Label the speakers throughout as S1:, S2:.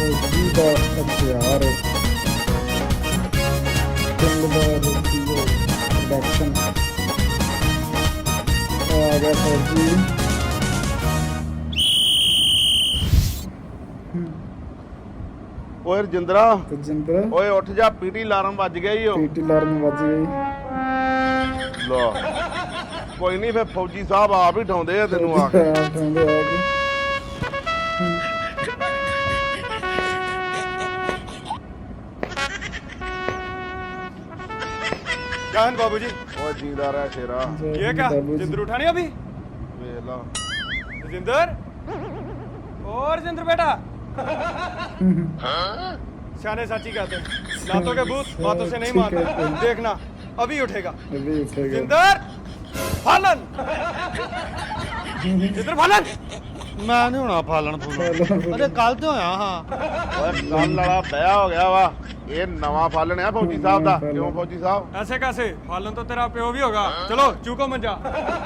S1: फौजी का हथियार प्रोडक्शन आ गया फौजी।
S2: ਓਏ ਰਜਿੰਦਰਾ
S1: तजिंदर
S2: ਓਏ ਉੱਠ ਜਾ ਪੀਟੀ ਅਲਾਰਮ ਵੱਜ ਗਿਆ ਈ ਓ
S1: पीटी अलार्म बज गई।
S2: ਲਾ ਕੋਈ ਨਹੀਂ ਫੇ ਫੌਜੀ ਸਾਹਿਬ ਆਪ ਹੀ ਠਾਉਂਦੇ ਆ ਤੈਨੂੰ ਆ ਕੇ
S1: उठाਉਂਦੇ ਆ ਕੇ।
S3: क्या है बाबूजी?
S2: ਓਏ ਜੀਂਦਾ ਰਹਿ ਸ਼ੇਰਾ
S3: ये क्या?
S1: बाबूजी।
S3: जिंदर उठा नहीं अभी?
S2: ਵੇਖ ਲਾ
S3: जिंदर? और जिंदर बेटा? सियाने साची कहते हैं, लातों के भूत बातों से नहीं
S1: ठीक है,
S3: मानते।
S1: ठीक।
S3: देखना अभी उठेगा।
S1: अभी उठेगा।
S3: जिंदर फालन जिंदर फालन
S2: ਮੈਂ ਨਹੀਂ ਹੋਣਾ ਫਾਲਣ ਫੂਲਣ
S1: अरे
S2: ਕੱਲ ਤੇ ਹੋਇਆ ਹਾਂ ਓਏ ਕੱਲ ਵਾਲਾ ਵਿਆਹ ਹੋ ਗਿਆ ਵਾ ਇਹ ਨਵਾਂ ਫਾਲਣ ਆ ਫੌਜੀ ਸਾਹਿਬ ਦਾ ਕਿਉਂ ਫੌਜੀ ਸਾਹਿਬ
S3: ऐसे कैसे? फालन तो तेरा प्यो भी होगा। चलो चूको मंजा,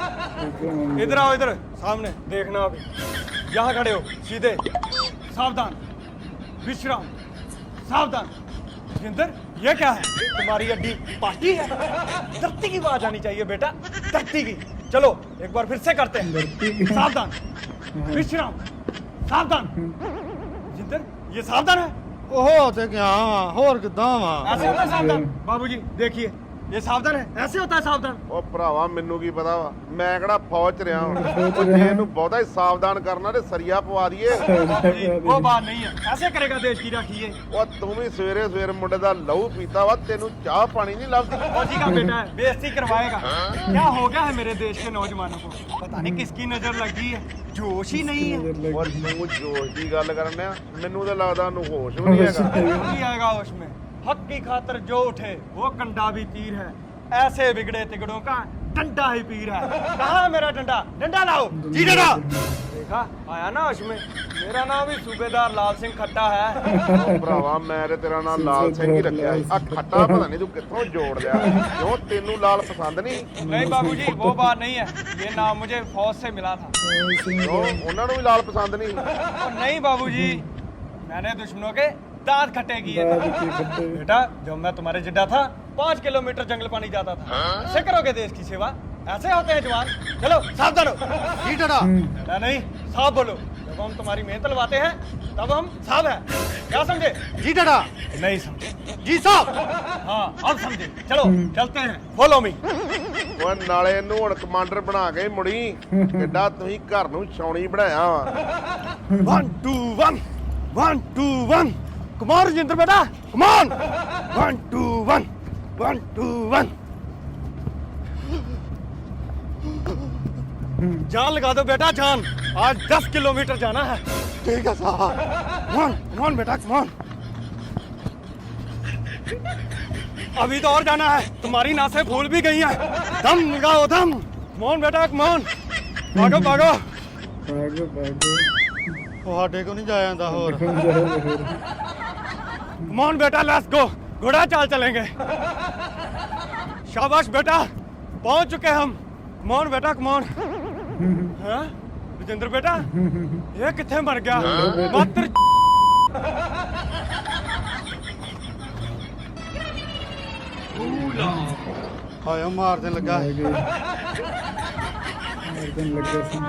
S3: इधर आओ, इधर सामने देखना अभी। यहाँ खड़े हो सीधे, सावधान, विश्राम, सावधान। जिंदर ये क्या है? तुम्हारी अड्डी पार्टी है? धरती की आवाज आनी चाहिए बेटा, धरती की। चलो एक बार फिर से करते हैं। सावधान, विश्राम, सावधान। जिंदर ये सावधान है?
S2: ਉਹ ਤੇ ਗਿਆ ਵਾ ਹੋਰ ਕਿੱਦਾਂ ਵਾ
S3: ऐसे होता है सावधान? बाबूजी देखिए ये सावधान है, ऐसे होता है सावधान।
S2: ਉਹ ਭਰਾਵਾ ਮੈਨੂੰ ਕੀ ਪਤਾ ਵਾ ਮੈਂ ਕਿਹੜਾ ਫੌਜ ਚ ਰਿਹਾ ਹਾਂ ਉਹ ਜੇ ਇਹਨੂੰ ਬਹੁਤਾ ਹੀ ਸਾਵਧਾਨ ਕਰਨਾ ਤੇ ਸਰੀਆ ਪਵਾ ਦਈਏ
S3: बाबूजी वो बात नहीं है, ऐसे करेगा देश की राखी।
S2: ਉਹ ਤੂੰ ਵੀ ਸਵੇਰੇ ਸਵੇਰ ਮੁੰਡੇ ਦਾ ਲਹੂ ਪੀਤਾ ਵਾ ਤੈਨੂੰ ਚਾਹ ਪਾਣੀ ਨਹੀਂ ਲੱਭਦੀ
S3: फौजी का बेटा है, बेइज्जती करवाएगा। क्या हो गया है मेरे देश के नौजवानों को? पता नहीं किसकी नजर लगी है, जोश ही नहीं है।
S2: ਔਰ ਤੂੰ ਜੋਸ਼ ਦੀ ਗੱਲ ਕਰਨ ਆ ਮੈਨੂੰ ਤਾਂ ਲੱਗਦਾ ਉਹਨੂੰ ਹੋਸ਼ ਵੀ ਨਹੀਂ ਹੈਗਾ
S3: नहीं आएगा होश में। हक की खातर जो उठे वो कंडा भी तीर है, ऐसे बिगड़े तिगड़ों का डंडा ही पीर है। कहाँ है मेरा डंडा? डंडा लाओ जी डंडा। देखा आया ना होश में। मेरा नाम भी सूबेदार लाल सिंह खट्टा है।
S2: ਉਹ ਭਰਾਵਾ ਮੈਂ ਤੇ ਤੇਰਾ ਨਾਮ ਲਾਲ ਸਿੰਘ ਹੀ ਰੱਖਿਆ ਸੀ ਆ ਖੱਟਾ ਪਤਾ ਨਹੀਂ ਤੂੰ ਕਿੱਥੋਂ ਜੋੜ ਲਿਆ ਕਿਉਂ ਤੈਨੂੰ ਲਾਲ ਪਸੰਦ ਨਹੀਂ
S3: नहीं बाबूजी वो बात नहीं है, ये नाम मुझे फौज से मिला था।
S2: ਕਿਉਂ ਉਹਨਾਂ ਨੂੰ ਵੀ ਲਾਲ ਪਸੰਦ ਨਹੀਂ
S3: और नहीं बाबूजी, मैंने दुश्मनों के दांत खट्टे किए थे। बेटा जब मैं तुम्हारे जिड्डा था 5 किलोमीटर जंगल पानी जाता था। ऐसे करोगे देश की सेवा? ऐसे होते हैं जवान। चलो सावधान हो।
S2: ਕੀ ਡੜਾ
S3: ना नहीं साफ बोलो। जब हम तुम्हारी मेहनत लवाते हैं तब हम साफ हैं। क्या समझे?
S2: ਜੀ ਡੜਾ
S3: नहीं समझे?
S2: ਜੀ ਸਾਹਿਬ
S3: हाँ अब समझे। चलो चलते हैं, फॉलो मी।
S2: ਓਏ ਨਾਲੇ ਇਹਨੂੰ ਹੁਣ ਕਮਾਂਡਰ ਬਣਾ ਕੇ ਮੁੜੀ ਕਿੱਡਾ ਤੁਸੀਂ ਘਰ ਨੂੰ ਛਾਉਣੀ ਬਣਾਇਆ ਵਾ
S3: 1 2 1 1 2 1 कमान राजेंद्र बेटा, कमान। 1 2 1 1 2 1। जान लगा दो बेटा, जान। आज 10 किलोमीटर जाना है।
S2: ਠੀਕ ਆ ਸਾਹਿਬ
S3: कमान बेटा, कमान। अभी तो और जाना है, तुम्हारी नासें फूल भी गई हैं। दम लगाओ दम। कमान बेटा, कमान। भागो भागो।
S1: भागो भागो।
S2: ਤੁਹਾਡੇ ਕੋ ਨਹੀਂ ਜਾਇਆ ਜਾਂਦਾ ਹੋਰ
S3: कमान बेटा, लेट्स गो। घोड़ा चाल चलेंगे। शाबाश बेटा, पहुंच चुके हम। कमान बेटा, कमान। हाँ राजेंद्र बेटा, ये कितने मर गया मात्र।
S2: ਹਾਏ ਮਾਰ ਦੇਣ ਲੱਗਾ
S1: मारने लगा सी।